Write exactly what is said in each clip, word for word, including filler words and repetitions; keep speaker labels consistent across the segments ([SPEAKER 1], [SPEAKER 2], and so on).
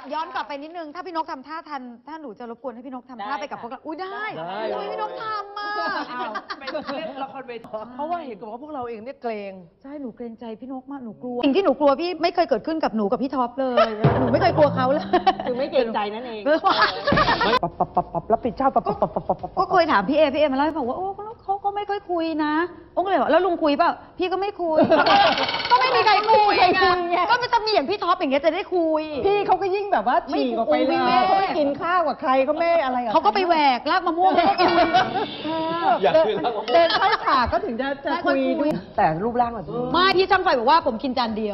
[SPEAKER 1] ย้อนกลับไปนิดนึงถ้าพี่นกทำท่าทันถ้าหนูจะรบกวนให้พี่นกทำท่าไปกับพวกเราอุ้ยได้ทำไมพี่นกทำอ่ะ
[SPEAKER 2] เป็นเล่นละครเวทีเพราะว่าเห็นกับว่าพวกเราเองเนี่ยเกรง
[SPEAKER 1] ใช่หนูเกรงใจพี่นกมากหนูกลัวสิ่งที่หนูกลัวพี่ไม่เคยเกิดขึ้นกับหนูกับพี่ท็อปเลยหนูไม่เคยกลัวเขาเลย
[SPEAKER 3] คือไม่เกรงใจนั่นเอง
[SPEAKER 2] ปับปับปับปับรับผิดชอบปับปับปับปับปับ
[SPEAKER 1] ก็เคยถามพี่เอพี่เอมาเล่าให้ฟังว่าโอ้เขาก็ไม่ค่อยคุยนะโอ้ก็เลยบอกแล้วลุงคุยเปล่าพี่ก็ไม่คุยก็ไม่มีใครคุยไงก็มันจะมีอย่างพี่ท็อปอย่างเงี้ยจะได้คุย
[SPEAKER 3] พี่เขาก็ยิ่งแบบว่าฉีกออกไปเลยเขาไม่กินข้าวกับใครเขาไม่อะไรกับ
[SPEAKER 1] เขาก็ไปแหวกลากมะม่วงแล้วก็คุย
[SPEAKER 4] อยากคุยแล้ว
[SPEAKER 3] เดินเข้าฉากก็ถึงจะจะคุยด้วย
[SPEAKER 2] แต่รูปร่างแบบนี้
[SPEAKER 1] ไม่พี่ช่างไฟบอกว่าผมกินจานเดียว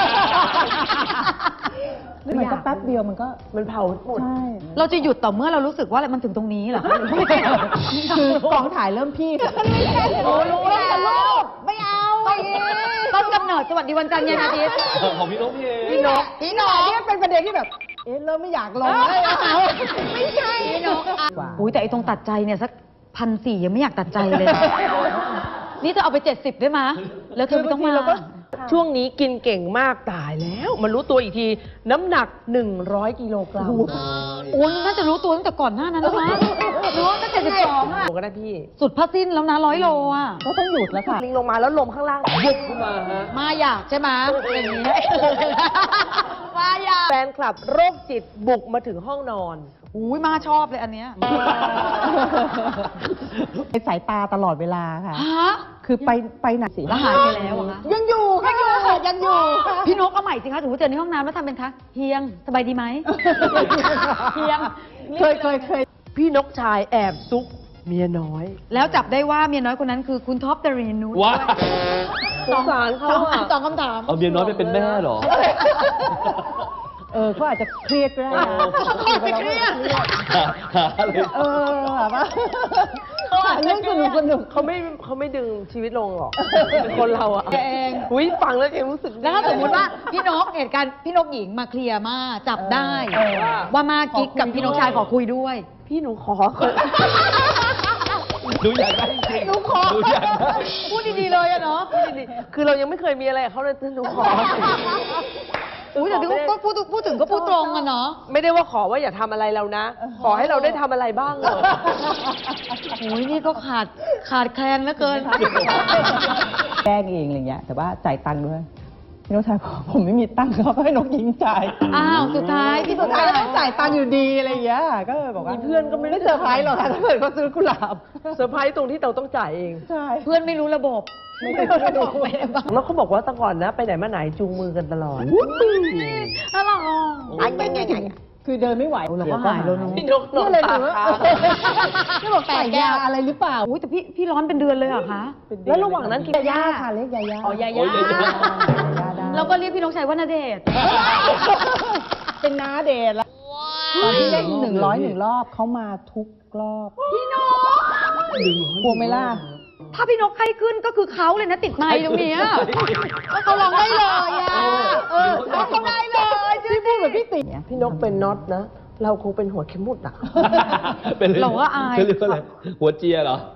[SPEAKER 3] มันก็แป๊บเดียวมันก็
[SPEAKER 2] มันเผาหมด
[SPEAKER 3] ใช่
[SPEAKER 1] เราจะหยุดต่อเมื่อเรารู้สึกว่ามันถึงตรงนี้เหรอคะ
[SPEAKER 3] คือกองถ่ายเริ่มพี่
[SPEAKER 1] โอ้รู้แล้วลูกไม่เอาต้นกำเนิดสวัสดีวันจันทร์เย็นอาทิตย์
[SPEAKER 4] ของพี่นกพี่เอ
[SPEAKER 3] พี่นก
[SPEAKER 1] พี่นก
[SPEAKER 3] เนี่ยเป็นประเด็นที่แบบ เอ๊ะเริ่มไม่อยากลงเลยอะ
[SPEAKER 1] ไม่ใช่พี่นกอุ้ยแต่ไอ้ตรงตัดใจเนี่ยสักพันสี่ยังไม่อยากตัดใจเลยนะนี่จะเอาไปเจ็ดสิบได้ไหมแล้วเธอไม่ต้องมา
[SPEAKER 2] ช่วงนี้กินเก่งมากตายแล้ว มันรู้ตัวอีกทีน้ำหนักหนึ่งร้อยกิโลกรัม
[SPEAKER 1] โอ้ยน่าจะรู้ตัวตั้งแต่ก่อนหน้านั้นแล้วมั้งรู้ตั้งแต่สิบสองอ่ะ
[SPEAKER 2] ก็ได้พี่
[SPEAKER 1] สุดผ้าสิ้นแล้วนะร้อยโลอ่ะ
[SPEAKER 3] ก็ต้องหยุดแล้วค่ะ
[SPEAKER 2] ลิงลงมาแล้วลมข้างล่างยุบขึ้นมาฮะ
[SPEAKER 1] มาอยากใช่ไหมอย่างนี้มาอยาก
[SPEAKER 2] แฟนคลับโรคจิตบุกมาถึงห้องนอน
[SPEAKER 1] อุ้ยมาชอบเลยอันเนี้ย
[SPEAKER 3] ในสายตาตลอดเวลาค่ะ
[SPEAKER 1] ฮะ
[SPEAKER 3] คือไปไปไหนสิ
[SPEAKER 1] แล้วหายไปแล้วอะคะ
[SPEAKER 3] ยังอยู่ค่ะยังอยู่ค่ะ
[SPEAKER 1] พี่นกเอาใหม่สิคะถือว่าเจอในห้องน้ำแล้วทำเป็นคะเฮียงสบายดีไหมเฮียง
[SPEAKER 3] เคยเคยเคย
[SPEAKER 2] พี่นกชายแอบซุกเมียน้อย
[SPEAKER 1] แล้วจับได้ว่าเมียน้อยคนนั้นคือคุณท็อปเดรีนุช
[SPEAKER 4] ว้า
[SPEAKER 2] สงสารเขา
[SPEAKER 1] สอง
[SPEAKER 2] อะ
[SPEAKER 1] สองคำถาม
[SPEAKER 4] เอาเมียน้อยไปเป็นแม่เหรอ
[SPEAKER 3] เออเขาอาจจะเครียดก็ได้นะ
[SPEAKER 1] เขาอาจจะเครียด
[SPEAKER 3] เออแบบว่าเรื่องสนุกสนุก
[SPEAKER 2] เขาไม่เขาไม่ดึงชีวิตลงหรอกคนเราอะ
[SPEAKER 1] เอง
[SPEAKER 2] อุ้ยฟังแล้วเองรู้สึก
[SPEAKER 1] แล้วถ้าสมมติว่าพี่นกเหตุการณ์พี่นกหญิงมาเคลียร์มาจับได้
[SPEAKER 3] เออ
[SPEAKER 1] ว่ามากิ๊กกับพี่นกชายขอคุยด้วย
[SPEAKER 2] พี่หนูขอ
[SPEAKER 4] หนูอยากได้จริงๆหนูขอหนูอยากได้
[SPEAKER 1] พูดดีๆเลยอะเนาะ
[SPEAKER 2] คือเรายังไม่เคยมีอะไรกับเขาเลยหนูขอ
[SPEAKER 1] อุ้ยแต่พี่ก็พูดพูดถึงก็พูดตรงอะเนาะ
[SPEAKER 2] ไม่ได้ว่าขอว่าอย่าทำอะไรเรานะ ขอให้เราได้ทำอะไรบ้างเหรอ
[SPEAKER 1] โอ้ยนี่ก็ขาดขาดแคลนเหลือเกิน
[SPEAKER 3] แกล้งเองอะไรเงี้ยแต่ว่าจ่ายตังค์ด้วยพี่นกชายบอกผมไม่มีตังค์เขาก็ให้นกยิงจ่าย
[SPEAKER 1] อ้าวสุดท้ายพี่
[SPEAKER 3] สุดท้ายก็ต้องจ่ายตังค์อยู่ดีอะไรอย่างเงี้ยก็เลยบอกว่า
[SPEAKER 2] มีเพื่อนก็ไม่ได้
[SPEAKER 3] ไม่เซอร์ไพรส์หรอกค่ะถ้าเกิดเขาซื้อกุหลาบ
[SPEAKER 2] เซอร์ไพรส์ตรงที่เราต้องจ่ายเอง
[SPEAKER 3] ใช่
[SPEAKER 1] เพื่อนไม่รู้ระบบ
[SPEAKER 3] ไม่เคยไม่ได้
[SPEAKER 1] ไม่ได้บ้าง
[SPEAKER 2] แล้วเขาบอกว่าแต่ก่อนนะ ไปไหนมาไหนจูงมือกันตลอด
[SPEAKER 1] อะไรอ่ะ
[SPEAKER 3] คือเดินไม่ไหว
[SPEAKER 1] เราก็หายแล้วเนอะ
[SPEAKER 2] พี่นกนอ
[SPEAKER 3] นี่
[SPEAKER 2] น
[SPEAKER 3] เลย
[SPEAKER 2] ตา
[SPEAKER 3] ถือว่า
[SPEAKER 2] ค้าง
[SPEAKER 3] นี่บอกใส่ยาอะไรหรือเปล่า
[SPEAKER 1] อุ้ยแต่พี่พี่ร้อนเป็นเดือนเลยเหรอคะ
[SPEAKER 2] แล้วระหว่างนั้นกิน
[SPEAKER 3] ยาย่าค่ะเรียกยาย่า
[SPEAKER 1] อ๋อยา
[SPEAKER 4] โอ้
[SPEAKER 1] ย่าย
[SPEAKER 4] ยายา
[SPEAKER 3] ยาได้
[SPEAKER 1] เราก็เรียกพี่นกชัยว่าณเดชน์
[SPEAKER 3] เป็นน้าเดทแล้วตอนที่เล่นหนึ่งร้อยหนึ่งรอบเขามาทุกรอบ
[SPEAKER 1] พี่นก
[SPEAKER 3] กลัวไหมล่ะ
[SPEAKER 1] ถ้าพี่นกไข้ขึ้นก็คือเขาเลยนะติดไมค์ตรงเนี้ยแล้วเขาร้องได้เลยอ่ะเออเขาร้องได้เลยชื่อ
[SPEAKER 3] พูดแบบพี่ติ๋ม
[SPEAKER 2] พี่นกเป็นน็อตนะ เราคงเป็นหัวเข็มหมุดอ่ะ
[SPEAKER 4] เป็น
[SPEAKER 1] เราก็อาย
[SPEAKER 4] เขาเรียกว่าอะไรหัวเจียเหรอ